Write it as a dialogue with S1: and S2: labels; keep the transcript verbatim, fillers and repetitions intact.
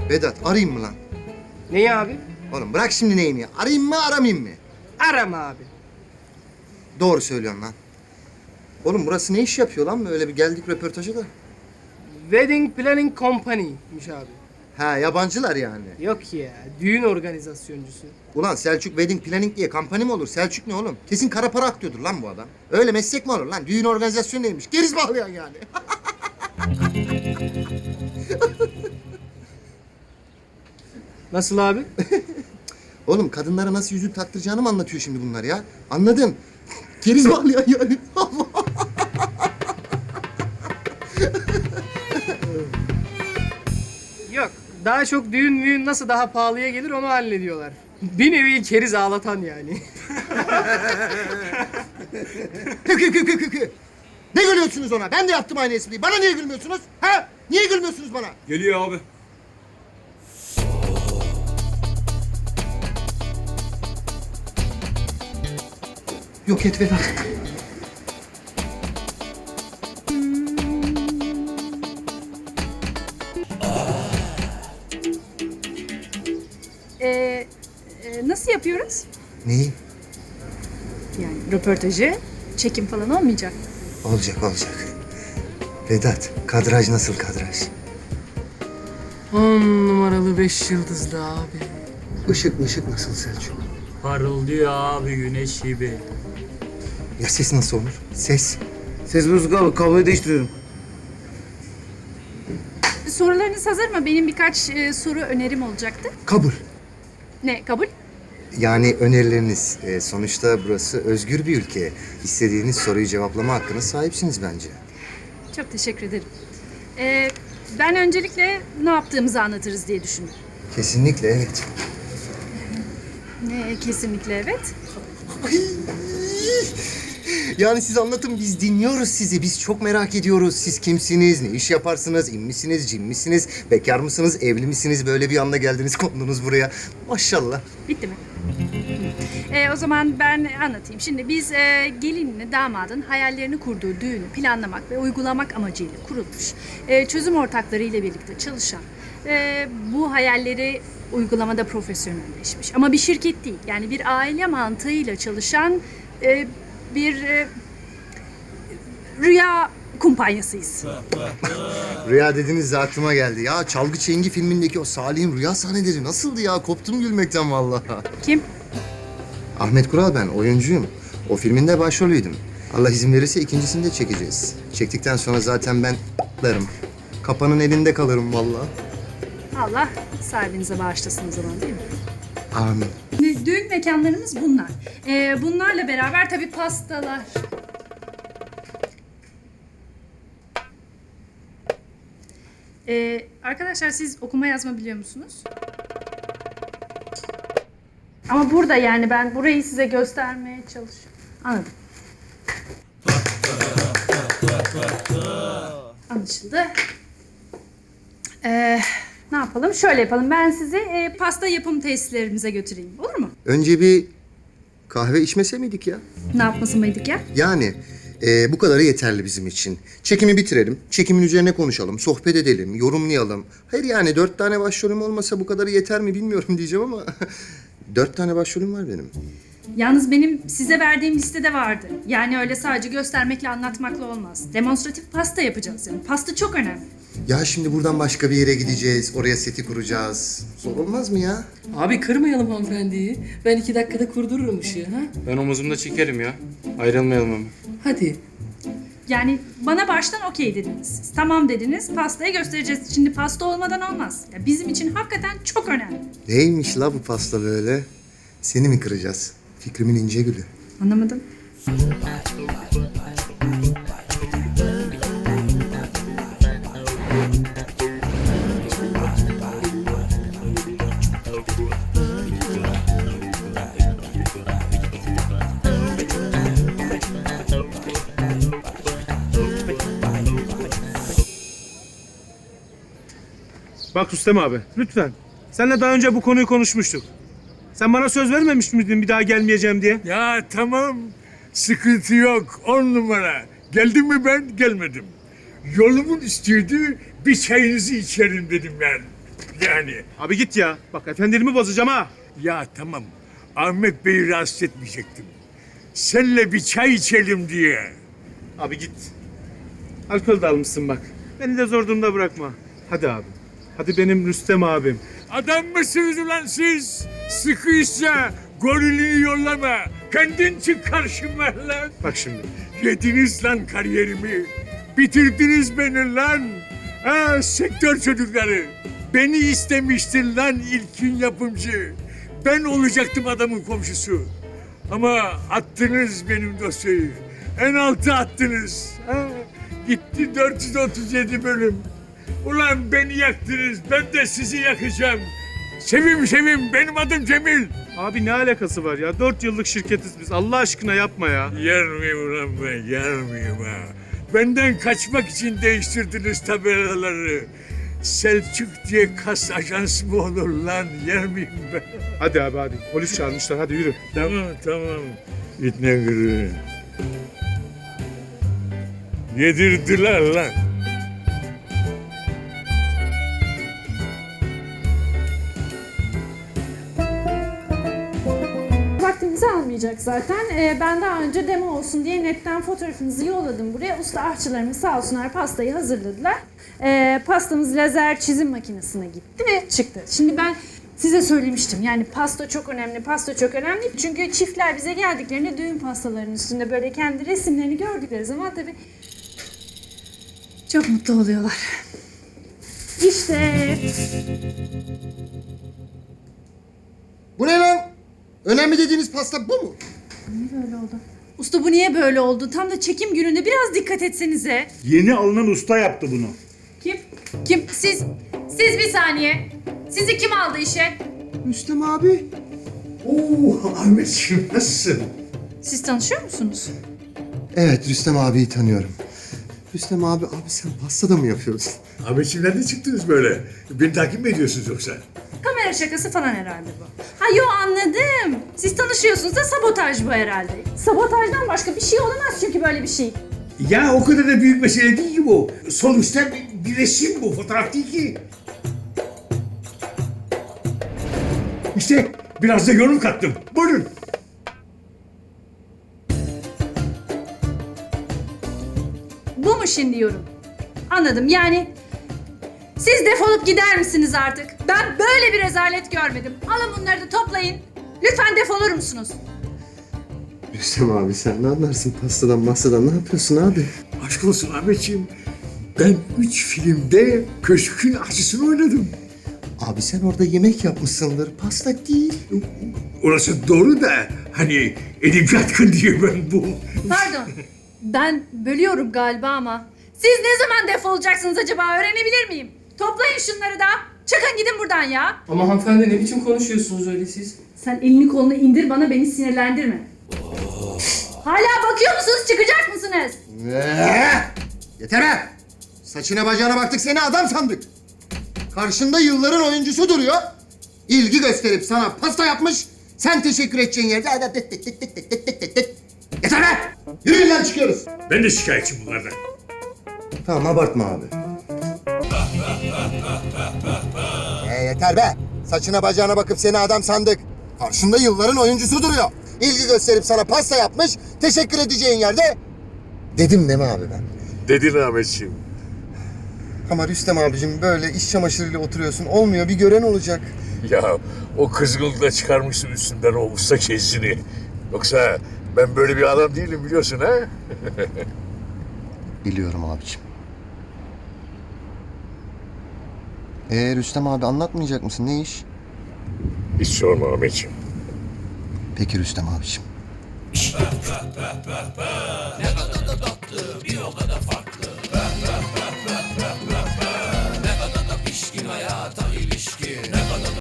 S1: Vedat arayayım mı lan?
S2: Neyi abi?
S1: Oğlum bırak şimdi neyini. Arayayım mı aramayayım mı?
S2: Arama abi.
S1: Doğru söylüyorsun lan. Oğlum burası ne iş yapıyor lan? Öyle bir geldik röportaja da.
S2: Wedding Planning Company'miş abi.
S1: Ha yabancılar yani.
S2: Yok ya, düğün organizasyoncusu.
S1: Ulan Selçuk Wedding Planning diye kampanya mı olur? Selçuk ne oğlum? Kesin kara para aktıyordur lan bu adam. Öyle meslek mi olur lan? Düğün organizasyonu neymiş? Geriz bağlayan yani.
S2: Nasıl abi?
S1: Oğlum kadınlara nasıl yüzük taktıracağını mı anlatıyor şimdi bunlar ya? Anladın? Geriz bağlayan yani. Allah.
S2: Yok, daha çok düğün müğün nasıl daha pahalıya gelir onu hallediyorlar. Bir nevi keriz ağlatan yani.
S1: Kı kı kı kı kı kı. Ne gülüyorsunuz ona? Ben de yaptım aynı espriyi. Bana niye gülmüyorsunuz? Ha? Niye gülmüyorsunuz bana?
S3: Geliyor abi.
S1: Yok et Vedat.
S4: Ee, e, nasıl yapıyoruz?
S1: Neyi?
S4: Yani röportajı, çekim falan olmayacak.
S1: Olacak olacak. Vedat, kadraj nasıl kadraj?
S2: On numaralı beş yıldızlı abi.
S1: Işık ışık nasıl Selçuk?
S5: Parıldıyor abi güneş gibi.
S1: Ya ses nasıl olur? Ses.
S6: Ses bozuk abi, kabloyu değiştiriyorum.
S4: Sorularınız hazır mı? Benim birkaç e, soru önerim olacaktı.
S1: Kabul.
S4: Ne, kabul?
S1: Yani önerileriniz. E, sonuçta burası özgür bir ülke. İstediğiniz soruyu cevaplama hakkına sahipsiniz bence.
S4: Çok teşekkür ederim. Ee, ben öncelikle ne yaptığımızı anlatırız diye düşündüm.
S1: Kesinlikle evet.
S4: Ne, kesinlikle evet.
S1: Yani siz anlatın, biz dinliyoruz sizi. Biz çok merak ediyoruz. Siz kimsiniz, ne iş yaparsınız, in misiniz, cin misiniz, bekar mısınız, evli misiniz? Böyle bir anda geldiniz, kondunuz buraya. Maşallah.
S4: Bitti mi? Ee, o zaman ben anlatayım. Şimdi biz e, gelinle damadın hayallerini kurduğu düğünü planlamak ve uygulamak amacıyla kurulmuş, e, çözüm ortakları ile birlikte çalışan, e, bu hayalleri uygulamada profesyonelleşmiş. Ama bir şirket değil, yani bir aile mantığıyla çalışan e, bir e, rüya kumpanyasıyız.
S1: Rüya dediniz de aklıma geldi. Ya Çalgı Çengi filmindeki o Salih'in rüya sahneleri nasıldı ya? Koptum gülmekten vallahi.
S4: Kim?
S1: Ahmet Kural ben, oyuncuyum. O filmin de başrolüydüm. Allah izin verirse ikincisini de çekeceğiz. Çektikten sonra zaten ben patlarım. Kapanın elinde kalırım vallahi.
S4: Allah sahibinize bağışlasın o zaman, değil mi?
S1: Amin.
S4: Şimdi düğün mekanlarımız bunlar. Ee, bunlarla beraber tabii pastalar. Ee, arkadaşlar siz okuma yazma biliyor musunuz? Ama burada yani ben burayı size göstermeye çalışıyorum. Anladım. Anlaşıldı. Ee, ne yapalım? Şöyle yapalım. Ben sizi e, pasta yapım tesislerimize götüreyim. Olur mu?
S1: Önce bir kahve içmese miydik ya?
S4: Ne yapması mıydık ya?
S1: Yani e, bu kadarı yeterli bizim için. Çekimi bitirelim, çekimin üzerine konuşalım, sohbet edelim, yorumlayalım. Hayır yani dört tane başrolüm olmasa bu kadarı yeter mi bilmiyorum diyeceğim ama... Dört tane başrolüm var benim.
S4: Yalnız benim size verdiğim listede vardı. Yani öyle sadece göstermekle anlatmakla olmaz. Demonstratif pasta yapacağız yani. Pasta çok önemli.
S1: Ya şimdi buradan başka bir yere gideceğiz, oraya seti kuracağız. Zor olmaz mı ya?
S2: Abi kırmayalım hanımefendiyi. Ben iki dakikada kurdururum ışığı ha.
S3: Ben omuzumda çekerim ya. Ayrılmayalım ama.
S2: Hadi.
S4: Yani bana baştan okey dediniz siz. Tamam dediniz, pastayı göstereceğiz. Şimdi pasta olmadan olmaz. Ya bizim için hakikaten çok önemli.
S1: Neymiş la bu pasta böyle? Seni mi kıracağız? Fikrimin ince gülü.
S4: Anlamadım.
S7: Bak Rüstem abi, lütfen. Seninle daha önce bu konuyu konuşmuştuk. Sen bana söz vermemiş miydin bir daha gelmeyeceğim diye?
S8: Ya tamam, sıkıntı yok, on numara. Geldim mi ben, gelmedim. Yolumun üstüydü, bir çayınızı içerim dedim ben. Yani.
S7: Abi git ya. Bak efendimi bozacağım ha.
S8: Ya tamam. Ahmet Bey'i rahatsız etmeyecektim. Seninle bir çay içelim diye.
S7: Abi git. Alkol de almışsın bak. Beni de zor durumda bırakma. Hadi abi. Hadi benim Rüstem abim.
S8: Adam mısınız ulan siz? Sıkıysa gorilini yollama. Kendin çık karşıma lan.
S7: Bak şimdi.
S8: Yediniz lan kariyerimi. Bitirdiniz beni lan. Ha, sektör çocukları. Beni istemiştin lan ilkin yapımcı. Ben olacaktım adamın komşusu. Ama attınız benim dosyayı. En altı attınız. Ha, gitti dört yüz otuz yedi bölüm. Ulan beni yaktınız. Ben de sizi yakacağım. Sevim sevim benim adım Cemil.
S7: Abi ne alakası var ya? Dört yıllık şirketiz biz. Allah aşkına yapma ya.
S8: Yer miyim ulan ben? Yer miyim ha? Benden kaçmak için değiştirdiniz tabelaları. Selçuk diye kas ajans mı olur lan? Yer miyim ben?
S7: Hadi abi hadi. Polis çağırmışlar. Hadi yürü.
S8: Tamam tamam. İtne gırı. Yedirdiler lan.
S4: Vaktinizi almayacak zaten. Ee, ben daha önce demo olsun diye netten fotoğrafınızı yolladım buraya. Usta aşçılarımız sağ olsunlar pastayı hazırladılar. Ee, pastamız lazer çizim makinesine gitti ve çıktı. Şimdi ben size söylemiştim yani pasta çok önemli, pasta çok önemli. Çünkü çiftler bize geldiklerinde düğün pastalarının üstünde böyle kendi resimlerini gördükleri zaman tabii çok mutlu oluyorlar. İşte
S1: Bu ne lan? Önemli dediğiniz pasta bu mu?
S4: böyle oldu. Usta bu niye böyle oldu? Tam da çekim gününde biraz dikkat etsenize.
S9: Yeni alınan usta yaptı bunu.
S4: Kim? Kim? Siz. Siz bir saniye. Sizi kim aldı işe?
S1: Rüstem abi.
S9: Oo Ahmetciğim nasılsın?
S4: Siz tanışıyor musunuz?
S1: Evet, Rüstem abiyi tanıyorum. Rüstem abi, abi sen pasta da mı yapıyorsun?
S8: Ahmetciğim nerede çıktınız böyle? Beni takip mi ediyorsunuz yoksa?
S4: Kamera şakası falan herhalde bu. Ha yo anladım. Siz tanışıyorsunuz da sabotaj bu herhalde. Sabotajdan başka bir şey olamaz çünkü böyle bir şey.
S8: Ya o kadar da büyük mesele değil ki bu. Sonuçta bir, bir resim bu, fotoğraf değil ki. İşte biraz da yorum kattım. Buyurun.
S4: Bu mu şimdi yorum? Anladım yani siz defolup gider misiniz artık? Ben böyle bir rezalet görmedim. Alın bunları da toplayın. Lütfen defolur musunuz?
S1: Rüstem abi sen ne anlarsın pastadan masadan, ne yapıyorsun abi?
S8: Aşk olsun Ahmetciğim. Ben üç filmde köşkün aşçısını oynadım.
S1: Abi sen orada yemek yapmışsındır, pasta değil.
S8: Orası doğru da hani edebiyat diye ben bu.
S4: Pardon. Ben bölüyorum galiba ama. Siz ne zaman defolacaksınız acaba öğrenebilir miyim? Toplayın şunları da. Çıkın gidin buradan ya.
S2: Ama hanımefendi ne biçim konuşuyorsunuz öyle siz?
S4: Sen elini kolunu indir bana beni sinirlendirme. Hala bakıyor musunuz çıkacak mısınız?
S1: Ee, yeter be! Saçına bacağına baktık seni adam sandık. Karşında yılların oyuncusu duruyor. İlgi gösterip sana pasta yapmış. Sen teşekkür edeceğin yerde... Yeter be! Yürüyün lan çıkıyoruz.
S8: Ben de şikayetçiyim bunlardan.
S1: Tamam abartma abi. Ee, yeter be! Saçına bacağına bakıp seni adam sandık. Karşında yılların oyuncusu duruyor. İlgi gösterip sana pasta yapmış. Teşekkür edeceğin yerde... Dedim değil mi abi ben?
S8: Dedin Ahmetciğim.
S1: Ama Rüstem abicim böyle iş çamaşırıyla oturuyorsun. Olmuyor, bir gören olacak.
S8: Ya o kızgınlığı da çıkarmışsın üstünden o usta kezini. Yoksa ben böyle bir adam değilim biliyorsun ha?
S1: Biliyorum abicim. Ee Rüstem abi anlatmayacak mısın? Ne iş?
S8: Hiç sorma Ahmetciğim.
S1: Peki Rüstem abicim.